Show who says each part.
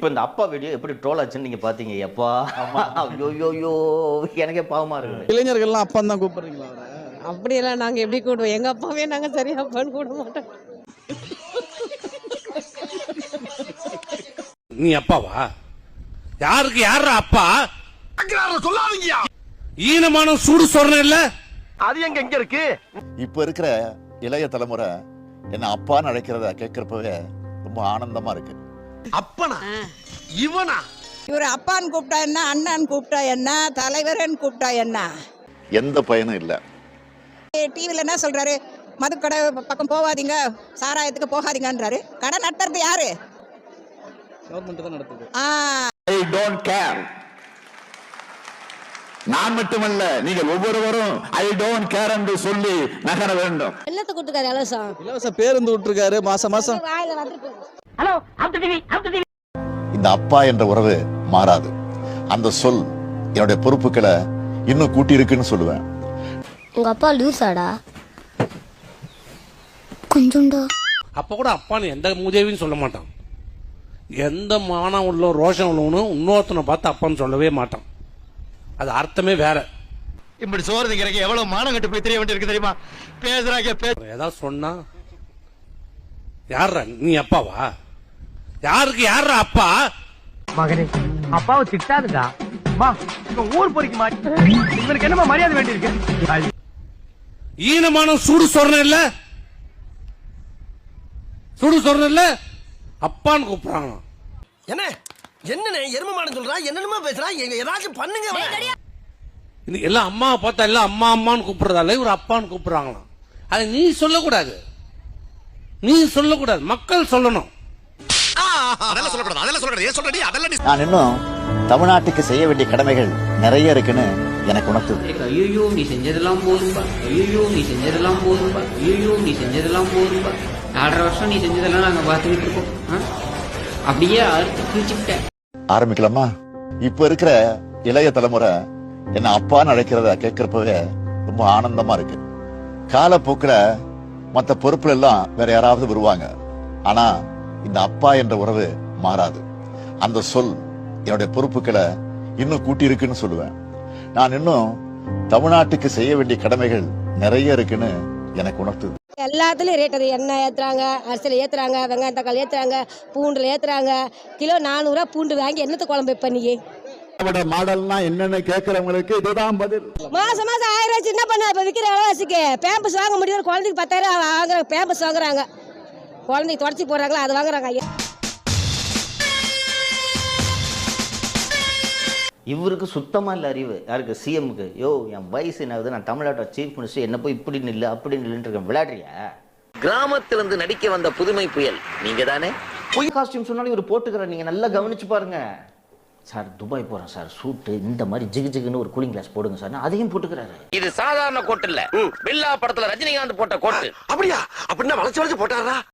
Speaker 1: இப்போ இந்த அப்பா வீடியோ எப்படி ட்ரோல் ஆச்சுன்னு நீங்க பாத்தீங்க எப்பா ஐயோ எனக்கே பாவமா இருக்குது.
Speaker 2: இளைஞர்கள்லாம் அப்பா தான் கூப்பிடுறீங்களா அவரை?
Speaker 3: அப்படியெல்லாம் நாங்க எப்படி கூடுவோம்? எங்க அப்பாவே நாங்க சரியா அப்பான்னு கூட மாட்டோம்.
Speaker 4: நீ அப்பாவா? யாருக்கு யார அப்பா?
Speaker 5: சொல்லாதீங்க.
Speaker 4: ஈனமான சூடு சொரணம் இல்ல
Speaker 5: அது எங்க இருக்கு?
Speaker 6: இப்ப இருக்கிற இளைய தலைமுறை என்ன அப்பான்னு அழைக்கிறத கேட்கிறப்பவே ரொம்ப ஆனந்தமா இருக்கு.
Speaker 5: அப்பனா இவனா?
Speaker 7: இவர் அப்பான்னு கூப்பிட்டா என்ன, அண்ணன் கூப்பிட்டா என்ன, தலைவரன் கூப்பிட்டா என்ன,
Speaker 6: எந்த பயனும் இல்லை.
Speaker 7: டிவில என்ன சொல்றாரு, மதுக்கடை பக்கம் போகாதீங்க, சாராயத்துக்கு போகாதீங்கன்றாரு. கடை நடத்துறது யாரு?
Speaker 2: கவர்மெண்ட் தான் நடத்துது.
Speaker 6: I don't care. நான் மட்டுமல்ல, நீங்கள் ஒவ்வொருவரும் ஐ டோன்ட் கேர் என்று சொல்லி நகர வேண்டும்.
Speaker 3: என்னத்தை கூட்டுக்காரு இலவசம்?
Speaker 2: இலவச பேருந்து விட்டுருக்காரு மாசம் மாசம்.
Speaker 3: வாயில வந்துட்டு
Speaker 6: இந்த அப்பா என்ற உறவு மாறாது. அந்த சொல் என்னுடைய பொறுப்புகளை இன்னும் கூட்டி இருக்குன்னு சொல்லுவேன்.
Speaker 8: உங்க அப்பா லூசாடா? கொஞ்சம்டா.
Speaker 4: அப்ப கூட அப்பான்னு எந்த மூதேவின்னு சொல்ல மாட்டான். எந்த மானம் உள்ள ரோஷம் உள்ளவனும் இன்னொருத்தனை பார்த்து அப்பான்னு சொல்லவே மாட்டான். அது அர்த்தமே வேற.
Speaker 5: இப்படி சோறு திங்கிறக்கு எவ்வளவு மானம் கட்டு போய் தெரிய வேண்டியிருக்கு தெரியுமா? பேசுறாங்க
Speaker 4: ஏதாவது சொன்னா யாரா நீ அப்பாவா? யாருக்கு யாரா அப்பா?
Speaker 5: மகனே, அப்பாவை திட்டாதுடா. மா, இவன் ஊர் பொறிக்க மாட்டேன். இவனுக்கு என்னமா மரியாதை வேண்டியிருக்கு?
Speaker 4: ஈனமான சூடு சொரணம் இல்ல, சூடு சொரணம் இல்ல, அப்பான்னு கூப்பிடுறாங்க.
Speaker 5: என்ன என்னன்னு எருமமான சொல்றா, என்னென்னமா பேசுறா, ஏதாச்சும் பண்ணுங்க.
Speaker 4: இது எல்லாம் அம்மாவை பார்த்தா எல்லாம் அம்மா அம்மான்னு கூப்பிடுறதால இவர் அப்பான்னு கூப்பிடுறாங்களாம். அதை நீ சொல்லக்கூடாது, நீ சொல்லக்கூடாது, மக்கள் சொல்லணும்.
Speaker 6: நான் இன்னும் தமிழ்நாட்டுக்கு செய்ய வேண்டிய கடமைகள் நிறைய இருக்குன்னு எனக்கு உணர்த்துது.
Speaker 9: ஐயோ நீ செஞ்சதெல்லாம் போதும்பா, ஐயோ நீ செஞ்சதெல்லாம் போதும்பா, ஐயோ நீ செஞ்சதெல்லாம் போதும்பா. 4.5 வருஷம் நீ செஞ்சதெல்லாம் நாங்க பார்த்துக்கிட்டு இருக்கோம். அப்படியே அறுத்து கிழிச்சுக்கிட்டேன்.
Speaker 6: ஆரம்பிக்கலாமா? இப்ப இருக்கிற இளைய தலைமுறை என்ன அப்பான்னு அழைக்கிறத கேட்கிறப்பவே ரொம்ப ஆனந்தமா இருக்கு. காலப்போக்கில் மற்ற பொறுப்புல எல்லாம் வேற யாராவது வருவாங்க. ஆனா இந்த அப்பா என்ற உறவு மாறாது. அந்த சொல் என்னுடைய பொறுப்புகளை இன்னும் கூட்டி இருக்குன்னு சொல்லுவேன். நான் இன்னும் தமிழ்நாட்டுக்கு செய்ய வேண்டிய கடமைகள் நிறைய இருக்குன்னு எனக்கு உணர்த்துது.
Speaker 3: எல்லாத்துலயும் ரேட் அது. எண்ணெய் ஏத்துறாங்க, அரிசியில ஏத்துறாங்க, வெங்காயம் தக்காளி ஏத்துறாங்க, பூண்டுல ஏத்துறாங்க. கிலோ 400 ரூபா பூண்டு வாங்கி என்னத்தை குழம்பு வைப்ப நீ?
Speaker 6: மாடல்னா என்னன்னு கேட்கிறவங்களுக்கு இதுதான் பதில்.
Speaker 3: மாசம் 1000 வச்சு என்ன பண்ண? இப்ப விற்கிற விலைவாசிக்கு பேம்பஸ் வாங்க முடியும். குழந்தைக்கு 10,000 வாங்குறாங்க, பேம்பஸ் வாங்குறாங்க. குழந்தைக்கு தொடச்சி போடுறாங்களா அது வாங்குறாங்க. ஐயா,
Speaker 1: இவருக்கு சுத்தமா இல்ல அறிவு. யாருக்கு? சிஎம்க்கு. யோ என் வயசு என்ன ஆகுது, நான் தமிழ்நாட்டோட சீஃப் மினிஸ்டர், என்ன போய் இப்படி நில்லு அப்படி நில்லுன்னு இருக்கேன். விளையாடுறியா?
Speaker 10: கிராமத்திலிருந்து நடிக்க வந்த புதுமை புயல் நீங்க தானே?
Speaker 1: பொய் காஸ்டியூம் சொன்னாலும் இவர் போட்டுக்கிற. நீங்க நல்லா கவனிச்சு பாருங்க. சார் துபாய் போறேன் சார், சூட்டு இந்த மாதிரி ஜிகு ஜிகுன்னு ஒரு கூலிங் கிளாஸ் போடுங்க சார், அதையும் போட்டுக்கிறாரு.
Speaker 10: இது சாதாரண கோட்டு இல்ல, பில்லா படத்துல ரஜினிகாந்த் போட்ட கோட்டு.
Speaker 5: அப்படியா? அப்படின்னா வளைச்சு வளைச்சு போட்டாரா?